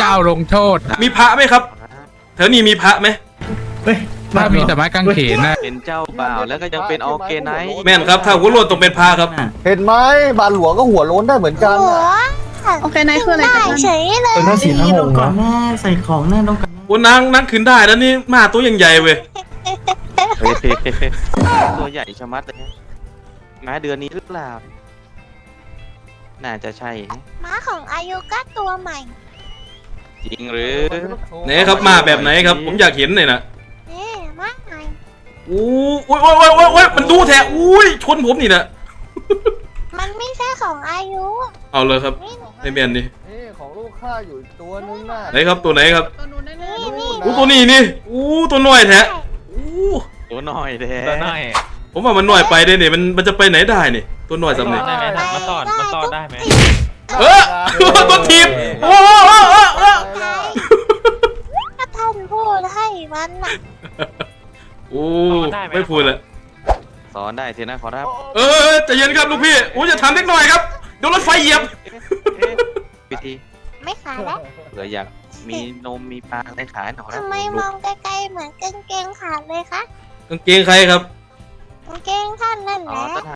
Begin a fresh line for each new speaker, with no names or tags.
จ้าลงโทษ
มีพระไหมครับแถวนี้มีพระไหม
เฮ้ย
ถ้ามีแต่ไม้กางเขนนะ
เป็นเจ้าบ่าวแล้วก็ยังเป็นออร์แกไนซ์
แม่นครับถ้าหัวโลนต้องเป็นพระครับ
เห็นไหมบาทหลวงก็หัวโล้นได้เหมือนกัน
โอเคไหนคืออะไรกัน
เฉยเลย
เป็นหน้าสีหน้าห
ต้อง
ง
ก่อ
นะ
นหน้าใส่ของหน้าต้องก่อน
โอ้นางนั่งขึ้นได้แล้วนี่หมาตัวยังใหญ่เว้ย
เฮ้ยตัวใหญ่ชะมัดเลยม้าเดือนนี้หรือเปล่าน่าจะใช่นะ
ม้าของอายุก็ตัวใหม่
จริงหรือ
ไหนครับมาแบบไหนครับ ผมอยากเห็นหน่อยนะ
นี่ม้าใหม่
อู้โอ้ยโอ้ยโอ้ยโอ้ยมันดูแท้อุ้ยชนผมนี่นะ
มันไม่ใช่ของอายุ
เอาเลยครับ
นี่
ไอเมียนนี่
นี่ของลูกข้าอยู่อีกตัวนึงน่ะ
ไหนครับตัวไหนครับ
ตัวนู้นแน่
นี่
อู้ตัวนี้นี่อู้ตัวน้อยแท้อู้
ตัวน้อยแท้
ตัวน้อย
ผมว่ามันน้อยไปได้เนี่ยมันจะไปไหนได้เนี่ยตัวน้อยสำเร็จ
ได้ไหมมาสอดได้ไหม
เออตัวทีมโอ้โห
ถ้าท่านพูดให้มันน่ะ
โอ้ไม่พูดละ
สอนได้ทีนะขอรับ
ใจเย็นครับลูกพี่โอ้จะทำเล็กหน่อยครับเดี๋ยวรถไฟเหยียบ
พิธี
ไม่ขายแล้ว
เผื่ออยากมีนมมีปลาอะไรขายหน่อยครับ
ทำไมมองไกลๆเหมือนกางเกงขาดเลยคะ
กางเกงใครครับ
กางเกงท่านนั่นแห
อ๋อ
ละ
ต้น